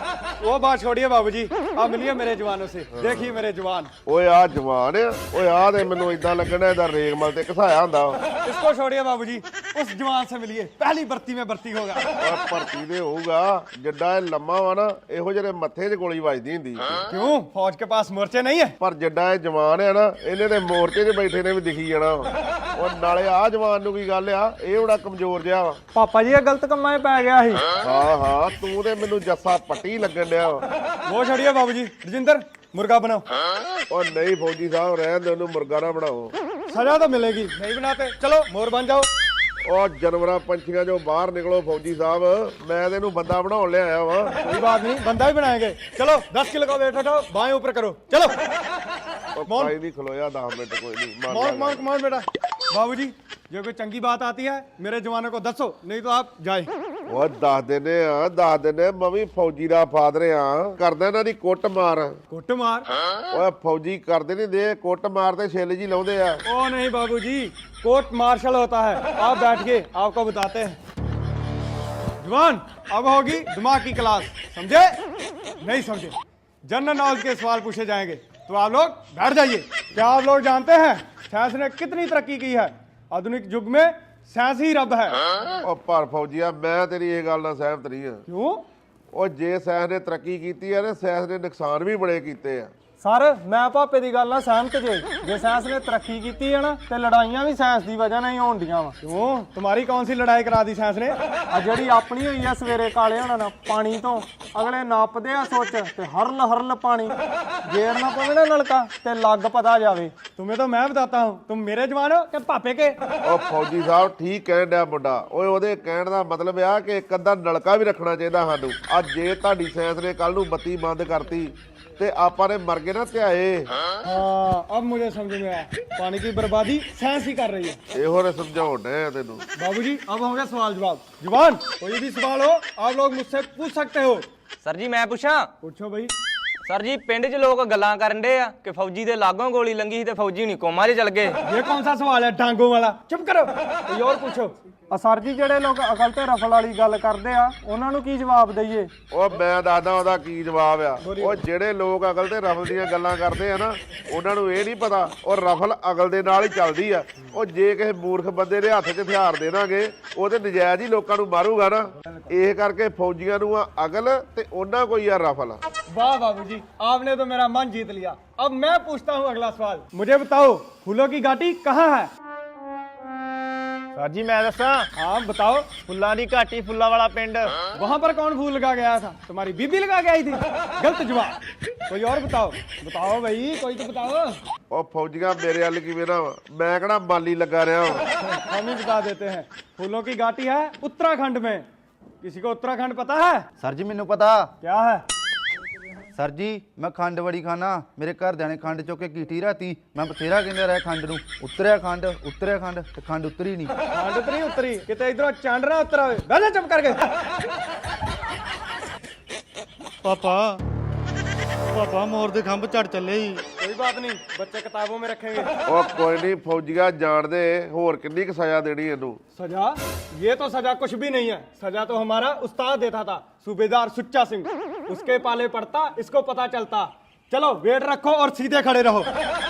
S3: वो बात छोड़िए बाबूजी, आप मिलिए मेरे जवानों से। देखिए मेरे जवान।
S2: ਓਏ ਆ ਜਵਾਨ ਆ। ਓਏ ਆ ਤੇ ਮੈਨੂੰ ਇਦਾਂ ਲੱਗਣਾ ਇਹਦਾ ਰੇਗਮਲ ਤੇ ਘਸਾਇਆ ਹੁੰਦਾ ਵਾ।
S3: इसको छोड़िए बाबूजी, उस जवान से मिलिए, पहली भर्ती में भर्ती होगा।
S2: ਓਏ ਭਰਤੀ ਦੇ ਹੋਊਗਾ, ਜਿੱਡਾ ਇਹ ਲੰਮਾ ਵਾ ਨਾ, ਇਹੋ ਜਿਹੇ ਮੱਥੇ 'ਚ ਗੋਲੀ ਵੱਜਦੀ ਹੁੰਦੀ।
S3: क्यों, फौज के पास मोर्चे नहीं है?
S2: ਪਰ ਜਿੱਡਾ ਇਹ ਜਵਾਨ ਆ ਨਾ, ਇਹਨੇ ਤੇ ਮੋਰਚੇ 'ਚ ਬੈਠੇ ਨੇ ਵੀ ਦਿਖੀ ਜਾਣਾ ਵਾ। ਉਹ ਨਾਲੇ ਆ ਜਵਾਨ ਨੂੰ ਕੀ ਗੱਲ ਆ? ਇਹ ਬੜਾ ਕਮਜ਼ੋਰ ਜਿਹਾ ਵਾ।
S7: ਪਾਪਾ ਜੀ ਇਹ ਗਲਤ ਕੰਮਾਂ 'ਚ ਪੈ ਗਿਆ ਸੀ।
S2: ਹਾਂ ਤੂੰ ਤੇ ਮੈਨੂੰ ਜੱਸਾ ਪੱਟੀ ਲੱਗਣ ਡਿਆ ਵਾ।
S3: वो छोड़िए बाबूजी, रजिंदर मुर्गा बनाओ।
S2: ਉਹ ਨਹੀਂ ਫੌਜੀ ਸਾਹਿਬ, ਰਹਿਣ ਦੇ ਉਹਨੂੰ, ਮੁਰਗਾ ਨਾ ਬਣਾਓ।
S3: सजा तो मिलेगी, नहीं बनाते चलो मोर बन जाओ।
S2: ਉਹ ਜਾਨਵਰਾਂ ਪੰਛੀਆਂ ਚੋਂ ਬਾਹਰ ਨਿਕਲੋ ਫੌਜੀ ਸਾਹਿਬ, ਮੈਂ ਤੇ ਇਹਨੂੰ ਬੰਦਾ ਬਣਾਉਣ ਲਿਆਇਆ ਵਾ।
S3: कोई बात नहीं, बंदा भी बनाएंगे। चलो 10 किलो का वेट उठाओ, बाएं ऊपर करो, चलो।
S2: ਉਹ ਭਾਈ ਨਹੀਂ ਖਲੋਇਆ 10 ਮਿੰਟ, ਕੋਈ ਨਹੀਂ
S3: मौन मौन बेटा। बाबूजी जो कोई चंगी बात आती है मेरे जवानों को दसो, नहीं तो आप जाए।
S2: ਉਹ ਦੱਸ ਦਿੰਦੇ ਮੈਂ ਵੀ ਫੌਜੀ ਦਾ ਫਾਦਰ ਆ। ਕਰਦਾ ਇਹਨਾਂ ਦੀ ਕੁੱਟ ਮਾਰ।
S3: कुट मार?
S2: ਓਏ ਫੌਜੀ ਕਰਦੇ ਨਹੀਂ ਦੇ ਕੁੱਟ ਮਾਰ ਤੇ ਛਿੱਲ ਜੀ ਲਾਉਂਦੇ ਆ।
S3: ओ नहीं बाबूजी, कोर्ट मार्शल होता है। आप बैठिए, आपको बताते हैं। जवान अब होगी दिमाग की क्लास, समझे? नहीं समझे, जनरल नॉलेज के सवाल पूछे जाएंगे, तो आप लोग बैठ जाइए। क्या आप लोग जानते हैं साइंस ने कितनी तरक्की की है? आधुनिक युग में साइंस ही रब है।
S2: ਉਹ ਪਰ ਫੌਜੀਆ, ਮੈਂ ਤੇਰੀ ਇਹ ਗੱਲ ਨਾਲ ਸਹਿਮਤ ਨਹੀਂ ਆ।
S3: क्यों?
S2: ਉਹ ਜੇ ਸਾਇੰਸ ਨੇ ਤਰੱਕੀ ਕੀਤੀ ਆ, ਤੇ ਸਾਇੰਸ ਨੇ ਨੁਕਸਾਨ ਵੀ ਬੜੇ ਕੀਤੇ ਆ।
S7: ਸਰ ਮੈਂ ਭਾਪੇ ਦੀ ਗੱਲ ਨਾਲ ਸਹਿਮਤ ਜੇ ਸਾਇੰਸ ਨੇ ਤਰੱਕੀ ਕੀਤੀ ਹੈ ਨਾ ਤੇ ਲੜਾਈਆਂ ਵੀ ਸਾਇੰਸ ਦੀ ਵਜ੍ਹਾ ਨਾਲ ਹੀ ਹੋਣਦੀਆਂ ਵਾ।
S3: क्यों, तुम्हारी कौन सी लड़ाई करा दी साइंस ने?
S7: ਆ ਜਿਹੜੀ ਆਪਣੀ ਹੋਈ ਆ ਸਵੇਰੇ ਕਾਲੇ ਹੋਣਾ ਨਾਲ ਪਾਣੀ ਤੋਂ ਅਗਲੇ ਨਾਪਦੇ ਆ ਸੋਚ ਤੇ ਹਰਲ ਪਾਣੀ ਗੇਰ ਨਾ ਪਵੇ ਨਾ ਨਲਕਾ ਤੇ ਲੱਗ ਪਤਾ ਜਾਵੇ।
S3: तुम्हें तो मैं बताता हूँ, तुम मेरे जवान हो कि पापे के?
S2: ਉਹ ਫੌਜੀ ਸਾਹਿਬ ਠੀਕ ਕਹਿਣ ਡਿਆ ਮੁੰਡਾ। ਓਏ ਉਹਦੇ ਕਹਿਣ ਦਾ ਮਤਲਬ ਆ ਕਿ ਇੱਕ ਅੱਧਾ ਨਲਕਾ ਵੀ ਰੱਖਣਾ ਚਾਹੀਦਾ ਸਾਨੂੰ। ਅੱਜ ਜੇ ਤੁਹਾਡੀ ਸਾਇੰਸ ਨੇ ਕੱਲ ਨੂੰ ਬੱਤੀ ਬੰਦ ਕਰਤੀ ਤੇ ਆਪਾਂ ਨੇ ਮਰ ਗਏ ਨਾ ਧਿਆਏ।
S3: हाँ, अब मुझे समझ में आया, पानी की बर्बादी साइंस ही कर रही है।
S2: ਇਹੋ ਨੇ ਸਮਝਾਉਣ ਡਿਆ ਤੈਨੂੰ।
S3: बाबूजी अब होंगे सवाल जवाब। जवान कोई भी सवाल हो आप लोग मुझसे पूछ सकते हो।
S8: ਸਰ ਜੀ ਮੈਂ ਪੁੱਛਾਂ?
S3: पूछो भाई।
S8: ਸਰ ਜੀ ਪਿੰਡ 'ਚ ਲੋਕ ਗੱਲਾਂ ਕਰਨ ਡੇ ਆ ਕਿ ਫੌਜੀ ਦੇ ਲਾਗੋਂ ਗੋਲੀ ਲੰਗੀ ਸੀ ਤੇ ਫੌਜੀ ਨਹੀਂ ਕੋਮਾ 'ਚ ਚਲ ਗਏ।
S3: ये कौन सा सवाल है डांगों वाला? चुप करो, कोई और पूछो।
S7: ਸਰ ਜੀ ਜਿਹੜੇ ਲੋਕ ਅਕਲ ਤੇ ਰਫਲ ਵਾਲੀ ਗੱਲ ਕਰਦੇ ਆ ਉਹਨਾਂ ਨੂੰ ਕੀ ਜਵਾਬ ਦਈਏ?
S2: ਉਹ ਮੈਂ ਦੱਸਦਾ ਉਹਦਾ ਕੀ ਜਵਾਬ ਆ। ਉਹ ਜਿਹੜੇ ਲੋਕ ਅਕਲ ਤੇ ਰਫਲ ਦੀਆਂ ਗੱਲਾਂ ਕਰਦੇ ਆ ਨਾ, ਉਹਨਾਂ ਨੂੰ ਇਹ ਨਹੀਂ ਪਤਾ ਉਹ ਰਫਲ ਅਕਲ ਦੇ ਨਾਲ ਹੀ ਚੱਲਦੀ ਆ। ਉਹ ਜੇ ਕਿਸੇ ਮੂਰਖ ਬੰਦੇ ਦੇ ਹੱਥ 'ਚ ਹਥਿਆਰ ਦੇ ਦਾਂਗੇ ਉਹ ਤੇ ਨਜਾਇਜ਼ ਹੀ ਲੋਕਾਂ ਨੂੰ ਮਾਰੂਗਾ ਨਾ। ਇਹ ਕਰਕੇ ਫੌਜੀਆਂ ਨੂੰ ਆ ਅਕਲ ਤੇ ਉਹਨਾਂ ਕੋਈ ਆ ਰਫਲ।
S3: वाह बाबूजी, आपने तो मेरा मन जीत लिया। अब मैं पूछता हूँ अगला सवाल। मुझे बताओ फूलों की घाटी कहाँ है?
S7: ਸਰ ਜੀ ਮੈਂ ਦੱਸਾਂ,
S3: हाँ बताओ।
S7: ਫੁੱਲਾਂ ਦੀ ਘਾਟੀ ਫੁੱਲਾਂ ਵਾਲਾ ਪਿੰਡ।
S3: वहाँ पर कौन फूल लगा गया था? तुम्हारी बीबी लगा के आई थी? गलत जवाब। कोई और बताओ, बताओ भाई, कोई तो बताओ।
S2: ਉਹ ਫੌਜੀਆਂ ਮੇਰੇ ਵੱਲ ਕਿਵੇਂ ਨਾ ਵਾ? ਮੈਂ ਕਿਹੜਾ ਮਾਲੀ ਲੱਗਾ ਰਿਹਾ ਵਾਂ।
S3: हम ही बता देते हैं। फूलों की घाटी है उत्तराखंड में। किसी को उत्तराखंड पता है?
S4: ਸਰ ਜੀ ਮੈਨੂੰ ਪਤਾ।
S3: क्या है?
S4: ਸਰ ਜੀ ਮੈਂ ਖੰਡ ਬੜੀ ਖਾਣਾ, ਮੇਰੇ ਘਰਦਿਆਂ ਨੇ ਖੰਡ ਚੁੱਕ ਕੇ ਕੀਤੀ ਰਾਤੀ, ਮੈਂ ਬਥੇਰਾ ਕਹਿੰਦੇ ਰਿਹਾ ਖੰਡ ਨੂੰ, ਉਤਰਿਆ ਖੰਡ ਤੇ ਖੰਡ ਉਤਰੀ ਨਹੀਂ।
S3: खंड उतरी उतरी किते इधरों चांडना उतरा हुए। बैठ जा चुप करके।
S4: ਪਾਪਾ ਮੋਰ ਦੇ ਖੰਭ ਝੜ ਚੱਲੇ ਹੀ।
S3: कोई बात नहीं, बच्चे किताबों में रखेंगे।
S2: ਉਹ ਕੋਈ ਨਹੀਂ, ਫੌਜੀਆਂ ਜਾਣਦੇ ਹੋਰ ਕਿੰਨੀ ਕੁ ਸਜ਼ਾ ਦੇਣੀ ਇਹਨੂੰ।
S3: सजा? ये तो सजा कुछ भी नहीं है। सजा तो हमारा उस्ताद देता था, सूबेदार सुच्चा सिंह। उसके पाले पड़ता, इसको पता चलता। चलो वेट रखो और सीधे खड़े रहो।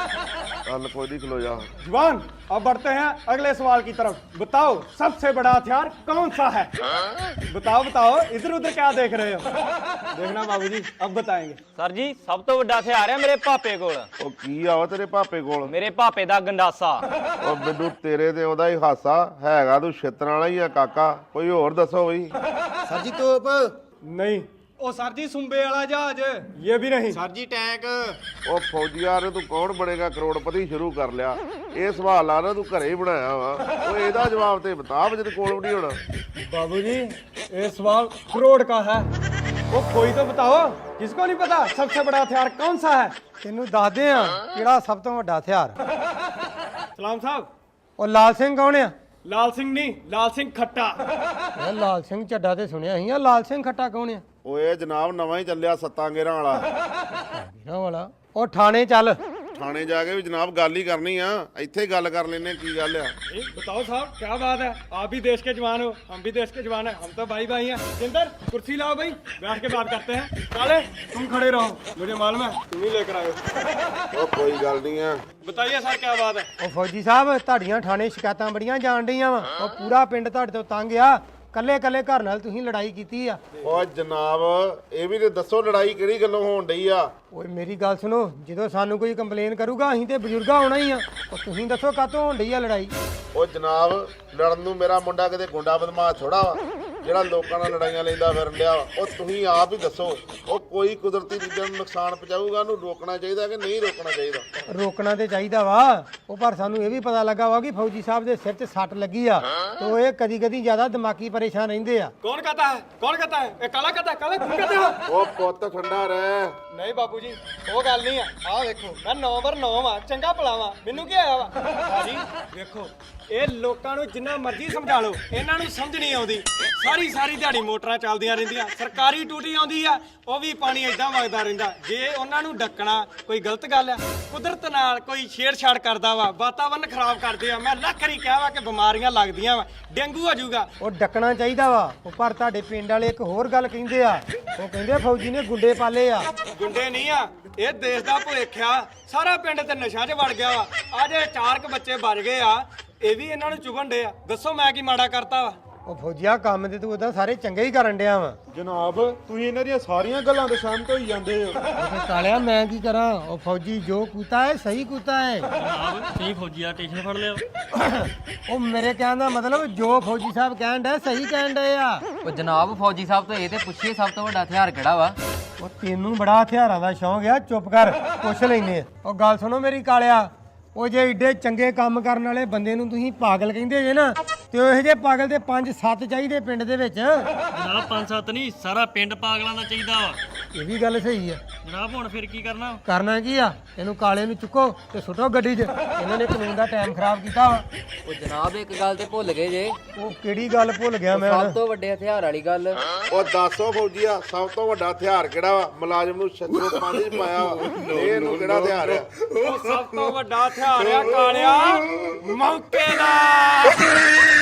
S2: ਚੱਲ ਕੋਈ ਨਹੀਂ, ਖਲੋ जा।
S3: जवान अब बढ़ते हैं अगले सवाल की तरफ। बताओ सबसे बड़ा हथियार कौन सा है? बताओ बताओ, इधर उधर क्या देख रहे हो? देखना बाबूजी, अब बताएंगे।
S8: ਸਰ ਜੀ ਸਭ ਤੋਂ ਵੱਡਾ ਹਥਿਆਰ ਆ ਮੇਰੇ ਭਾਪੇ ਕੋਲ।
S2: ਉਹ ਕੀ ਆ ਵਾ ਤੇਰੇ ਭਾਪੇ ਕੋਲ?
S8: ਮੇਰੇ ਭਾਪੇ ਦਾ ਗੰਡਾਸਾ।
S2: ਉਹ ਮੈਨੂੰ ਤੇਰੇ ਤੇ ਉਹਦਾ ਹੀ ਹਾਸਾ ਹੈਗਾ, ਤੂੰ ਛਿੱਤਰਾਂ ਵਾਲਾ ਹੀ ਆ ਕਾਕਾ। ਕੋਈ ਹੋਰ ਦੱਸੋ ਬਈ।
S4: ਸਰ ਜੀ ਤੋਪ।
S3: नहीं।
S7: ਉਹ ਸਰ ਜੀ ਸੁੰਬੇ ਵਾਲਾ ਜਹਾਜ਼।
S3: ये भी नहीं।
S7: ਸਰ ਜੀ ਟੈਂਕ।
S2: ਉਹ ਫੌਜੀਆਂ ਨੇ ਤੂੰ ਕੌਣ ਬਣੇਗਾ ਕਰੋੜਪਤੀ ਸ਼ੁਰੂ ਕਰ ਲਿਆ। ਇਹ ਸਵਾਲ ਆ ਨਾ ਤੂੰ ਘਰੇ ਹੀ ਬਣਾਇਆ ਵਾ। ਉਹ ਇਹਦਾ ਜਵਾਬ ਤੇ ਬਤਾ, ਜਿਹਦੇ ਕੋਲ ਵੀ ਨਹੀਂ ਹੋਣਾ।
S3: बाबूजी ये सवाल करोड़ का है। वो कोई तो बताओ, किसको नहीं पता सबसे बड़ा हथियार कौन सा है?
S7: ਤੈਨੂੰ ਦੱਸਦੇ ਆ ਕਿਹੜਾ ਸਭ ਤੋਂ ਵੱਡਾ ਹਥਿਆਰ।
S3: सलाम साहब।
S7: ਉਹ ਲਾਲ ਸਿੰਘ ਕੌਣ ਆ?
S3: लाल सिंह नहीं, लाल सिंह खट्टा।
S7: ਇਹ ਲਾਲ ਸਿੰਘ ਚੱਡਾ ਤੇ ਸੁਣਿਆ ਸੀ ਆ, ਲਾਲ ਸਿੰਘ ਖੱਟਾ ਕੌਣ ਆ?
S2: ਓਏ ਜਨਾਬ ਨਵਾਂ ਹੀ ਚੱਲਿਆ ਸੱਤਾਂ ਗੇਰਾਂ ਵਾਲਾ।
S7: ਇਹਨਾਂ ਵਾਲਾ। ਉਹ ਥਾਣੇ ਚੱਲ।
S2: ਥਾਣੇ ਜਾ ਕੇ ਵੀ ਜਨਾਬ ਗੱਲ ਹੀ ਕਰਨੀ ਆ, ਇੱਥੇ ਹੀ ਗੱਲ ਕਰ ਲੈਨੇ ਕੀ ਗੱਲ ਆ।
S3: बताओ साहब क्या बात है? आप भी देश के जवान हो, हम भी देश के जवान हैं, हम तो भाई भाई हैं। जिंदर कुर्सी लाओ भाई, बैठ के बात करते हैं। काले तुम खड़े रहो, मुझे मालूम है तुम ही लेकर आए हो।
S2: ਉਹ ਕੋਈ ਗੱਲ ਨਹੀਂ ਆ।
S3: बताइए सर क्या बात है?
S7: ਉਹ ਫੌਜੀ ਸਾਹਿਬ ਤੁਹਾਡੀਆਂ ਥਾਣੇ ਸ਼ਿਕਾਇਤਾਂ ਬੜੀਆਂ ਜਾਣ ਡੀਆਂ ਵਾ। ਉਹ ਪੂਰਾ ਪਿੰਡ ਤੁਹਾਡੇ ਤੋਂ ਤੰਗ ਆ। ਕੱਲੇ ਕੱਲੇ ਘਰ ਨਾਲ ਤੁਸੀਂ ਲੜਾਈ ਕੀਤੀ ਆ।
S2: ਉਹ ਜਨਾਬ ਇਹ ਵੀ ਤੇ ਦੱਸੋ ਲੜਾਈ ਕਿਹੜੀ ਗੱਲੋਂ ਹੋਣ ਡਈ ਆ?
S7: ਓਏ ਮੇਰੀ ਗੱਲ ਸੁਣੋ, ਜਦੋਂ ਸਾਨੂੰ ਕੋਈ ਕੰਪਲੇਨ ਕਰੂਗਾ ਅਸੀਂ ਤੇ ਬਜ਼ੁਰਗਾ ਹੋਣਾ ਹੀ ਆ। ਉਹ ਤੁਸੀਂ ਦੱਸੋ ਕਾਹਤੋਂ ਹੋਣ ਡਈ ਆ ਲੜਾਈ?
S2: ਉਹ ਜਨਾਬ ਲੜਨ ਨੂੰ ਮੇਰਾ ਮੁੰਡਾ ਕਿਤੇ ਗੁੰਡਾ ਬਦਮਾਸ਼ ਥੋੜਾ ਵਾ ਜਿਹੜਾ ਲੋਕਾਂ ਨਾਲ ਲੜਾਈਆਂ ਲੈਂਦਾ ਫਿਰਨ ਡਿਆ ਵਾ। ਉਹ ਤੁਸੀਂ ਆਪ ਹੀ ਦੱਸੋ, ਉਹ ਕੋਈ ਕੁਦਰਤੀ ਚੀਜ਼ਾਂ ਨੂੰ ਨੁਕਸਾਨ ਪਹੁੰਚਾਊਗਾ, ਉਹਨੂੰ ਰੋਕਣਾ ਚਾਹੀਦਾ ਕਿ ਨਹੀਂ ਰੋਕਣਾ ਚਾਹੀਦਾ?
S7: ਰੋਕਣਾ ਤੇ ਚਾਹੀਦਾ ਵਾ। ਉਹ ਪਰ ਸਾਨੂੰ ਇਹ ਵੀ ਪਤਾ ਲੱਗਾ ਵਾ ਕਿ ਫੌਜੀ ਸਾਹਿਬ ਦੇ ਸਿਰ 'ਚ ਸੱਟ ਲੱਗੀ ਆ ਤੇ ਉਹ ਇਹ ਕਦੀ ਕਦੀ ਜ਼ਿਆਦਾ ਦਿਮਾਗੀ ਪਰੇਸ਼ਾਨ ਰਹਿੰਦੇ ਆ।
S3: कौन कहता है? कौन कहता है? ये काला कहता है? काले तुम कहते हो?
S2: ਉਹ ਪੁੱਤ ਠੰਡਾ ਰਹਿ।
S3: नहीं बाबूजी वो गल नहीं है। आ देखो मैं 9/9 वा, चंगा भलावा, मैनू की आया वा? भाजी देखो ਇਹ ਲੋਕਾਂ ਨੂੰ ਜਿੰਨਾ ਮਰਜ਼ੀ ਸਮਝਾ ਲਓ, ਇਹਨਾਂ ਨੂੰ ਸਮਝ ਨਹੀਂ ਆਉਂਦੀ। ਸਾਰੀ ਸਾਰੀ ਦਿਹਾੜੀ ਮੋਟਰਾਂ ਚੱਲਦੀਆਂ ਰਹਿੰਦੀਆਂ, ਸਰਕਾਰੀ ਟੂਟੀ ਆਉਂਦੀ ਆ ਉਹ ਵੀ ਪਾਣੀ ਏਦਾਂ ਵਗਦਾ ਰਹਿੰਦਾ। ਜੇ ਉਹਨਾਂ ਨੂੰ ਡੱਕਣਾ ਕੋਈ ਗਲਤ ਗੱਲ ਆ? ਕੁਦਰਤ ਨਾਲ ਕੋਈ ਛੇੜਛਾੜ ਕਰਦਾ ਵਾ, ਵਾਤਾਵਰਨ ਖਰਾਬ ਕਰਦੇ ਆ। ਮੈਂ ਲੱਖ ਵਾਰੀ ਕਿਹਾ ਵਾ ਕਿ ਬਿਮਾਰੀਆਂ ਲੱਗਦੀਆਂ ਵਾ, ਡੇਂਗੂ ਹੋ ਜਾਊਗਾ।
S7: ਉਹ ਡੱਕਣਾ ਚਾਹੀਦਾ ਵਾ। ਉਹ ਪਰ ਤੁਹਾਡੇ ਪਿੰਡ ਵਾਲੇ ਇੱਕ ਹੋਰ ਗੱਲ ਕਹਿੰਦੇ ਆ। ਉਹ ਕਹਿੰਦੇ ਫੌਜੀ ਨੇ ਗੁੰਡੇ ਪਾਲੇ ਆ।
S3: ਗੁੰਡੇ ਨਹੀਂ ਆ, ਇਹ ਦੇਸ਼ ਦਾ ਭੁਲੇਖ ਆ। ਸਾਰਾ ਪਿੰਡ ਤੇ ਨਸ਼ਾ 'ਚ ਵੜ ਗਿਆ ਵਾ। ਆ ਜੇ 4 ਬੱਚੇ ਬਚ ਗਏ ਆ, ਇਹ ਵੀ ਇਹਨਾਂ ਨੂੰ ਚੁਗਣ ਡੇ ਆ। ਦੱਸੋ ਮੈਂ ਕੀ ਮਾੜਾ ਕਰਤਾ ਵਾ?
S7: ਉਹ ਫੌਜੀਆ ਕੰਮ ਤੇ ਤੂੰ ਉਦਾਂ ਸਾਰੇ ਚੰਗੇ ਹੀ ਕਰਨ ਡਿਆ ਵਾ।
S6: ਜਨਾਬ ਤੁਸੀਂ ਇਹਨਾਂ ਦੀਆਂ ਸਾਰੀਆਂ ਗੱਲਾਂ ਤੋਂ ਸਹਿਮਤ ਹੋਈ ਜਾਂਦੇ ਹੋ।
S7: ਉਹ ਕਾਲਿਆ ਮੈਂ ਕੀ ਕਰਾਂ? ਉਹ ਫੌਜੀ ਜੋ ਕੂਤਾ ਹੈ ਸਹੀ ਕੂਤਾ ਹੈ।
S8: ਸਹੀ ਫੌਜੀ ਆ, ਟੈਨਸ਼ਨ ਫੜ ਲਿਓ।
S7: ਉਹ ਮੇਰੇ ਕਹਿਣ ਦਾ ਮਤਲਬ ਜੋ ਫੌਜੀ ਸਾਹਿਬ ਕਹਿਣ ਡਿਆ ਸਹੀ ਕਹਿਣ ਡਏ ਆ।
S9: ਉਹ ਜਨਾਬ ਫੌਜੀ ਸਾਹਿਬ ਤੋਂ ਇਹ ਤੇ ਪੁੱਛੀਏ ਸਭ ਤੋਂ ਵੱਡਾ ਹਥਿਆਰ ਕਿਹੜਾ ਵਾ?
S7: ਉਹ ਤੈਨੂੰ ਬੜਾ ਹਥਿਆਰਾਂ ਦਾ ਸ਼ੌਂਕ ਆ, ਚੁੱਪ ਕਰ ਪੁੱਛ ਲੈਨੇ ਆ। ਉਹ ਗੱਲ ਸੁਣੋ ਮੇਰੀ ਕਾਲਿਆ, ਉਹ ਜੇ ਏਡੇ ਚੰਗੇ ਕੰਮ ਕਰਨ ਵਾਲੇ ਬੰਦੇ ਨੂੰ ਤੁਸੀਂ ਪਾਗਲ ਕਹਿੰਦੇ ਜੇ ਨਾ, ਤੇ ਉਹ ਇਹੋ ਜਿਹੇ ਪਾਗਲ ਤੇ 5-7 ਚਾਹੀਦੇ ਪਿੰਡ ਦੇ ਵਿੱਚ।
S8: ਜਨਾਬ 5-7 ਨਹੀਂ, ਸਾਰਾ ਪਿੰਡ ਪਾਗਲਾਂ ਦਾ ਚਾਹੀਦਾ ਵਾ।
S7: ਇਹ ਵੀ ਗੱਲ ਸਹੀ ਆ।
S3: ਜਨਾਬ ਹੁਣ ਫਿਰ ਕੀ ਕਰਨਾ
S7: ਕਰਨਾ ਕੀ ਆ ਇਹਨੂੰ ਕਾਲੇ ਨੂੰ ਚੁੱਕੋ ਤੇ ਸੁੱਟੋ ਗੱਡੀ 'ਚ ਇਹਨਾਂ ਨੇ ਕਾਨੂੰਨ ਦਾ ਟਾਈਮ ਖਰਾਬ ਕੀਤਾ ਵਾ
S9: ਉਹ ਜਨਾਬ ਇੱਕ ਗੱਲ ਤੇ ਭੁੱਲ ਗਏ ਜੇ
S7: ਉਹ ਕਿਹੜੀ ਗੱਲ ਭੁੱਲ ਗਿਆ ਮੈਂ
S9: ਸਭ ਤੋਂ ਵੱਡੇ ਹਥਿਆਰ ਵਾਲੀ ਗੱਲ
S2: ਉਹ ਦੱਸੋ ਫੌਜੀਆ ਸਭ ਤੋਂ ਵੱਡਾ ਹਥਿਆਰ ਕਿਹੜਾ ਵਾ ਮੁਲਾਜ਼ਮ ਨੂੰ ਛੱਤਰੋਂ ਪਾਣੀ 'ਚ ਪਾਇਆ ਵਾ ਇਹਨੂੰ ਕਿਹੜਾ ਹਥਿਆਰ ਆ
S3: ਉਹ ਸਭ ਤੋਂ ਵੱਡਾ ਹਥਿਆਰ ਆ ਕਾਲਿਆ ਮੌਕੇ ਦਾ